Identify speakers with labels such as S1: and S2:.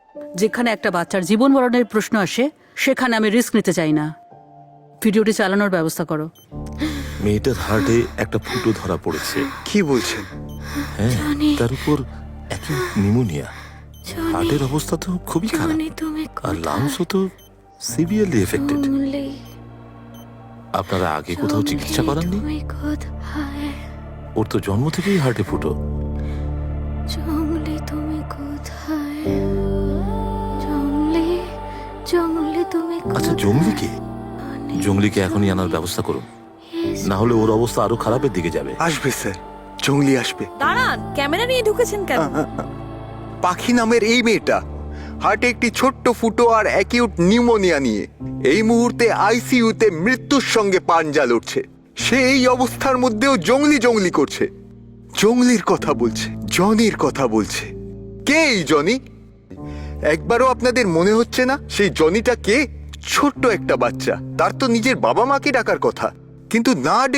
S1: যেখানে একটা বাচ্চার জীবন মরণের প্রশ্ন আসে সেখানে আমি রিস্ক নিতে চাই না। ভিডিওটি চালানোর ব্যবস্থা করো।
S2: মেয়েটার হার্টে একটা ফুটো ধরা পড়েছে।
S3: কি বলছেন?
S2: হ্যাঁ, তার উপর অ্যাকিউট নিউমোনিয়া। হার্টের অবস্থা তো খুবই খারাপ, আর লাংসও তো সিভিয়ারলি এফেক্টেড। আপনারা আগে কোথাও চিকিৎসা করাননি? ওর তো জন্ম থেকেই হার্টে ফুটো।
S4: জঙ্গলি তুমি কোথায়? জঙ্গলি তুমি
S2: আচ্ছা, জঙ্গলিকে এখনই আনার ব্যবস্থা করুন, না হলে ওর অবস্থা আরো খারাপের দিকে যাবে।
S3: আসবে স্যার, জঙ্গলি আসবে।
S5: দাঁড়ান, ক্যামেরা নিয়ে ঢুকেছেন কেন?
S3: পাখি নামের এই মেয়েটা হার্টে একটি ছোট্ট ফুটো আর অ্যাকিউট নিউমোনিয়া নিয়ে এই মুহূর্তে আইসিইউতে মৃত্যুর সঙ্গে পাঞ্জা লড়ছে। সে এই অবস্থার মধ্যেও জঙ্গলি করছে, জঙ্গলির কথা বলছে, জনির কথা বলছে। কে এই জনি? একবারও আপনাদের মনে হচ্ছে না সেই জনিটা কে? ছোট্ট একটা বাচ্চা, তার তো নিজের বাবা মাকে ডাকার কথা, কিন্তু না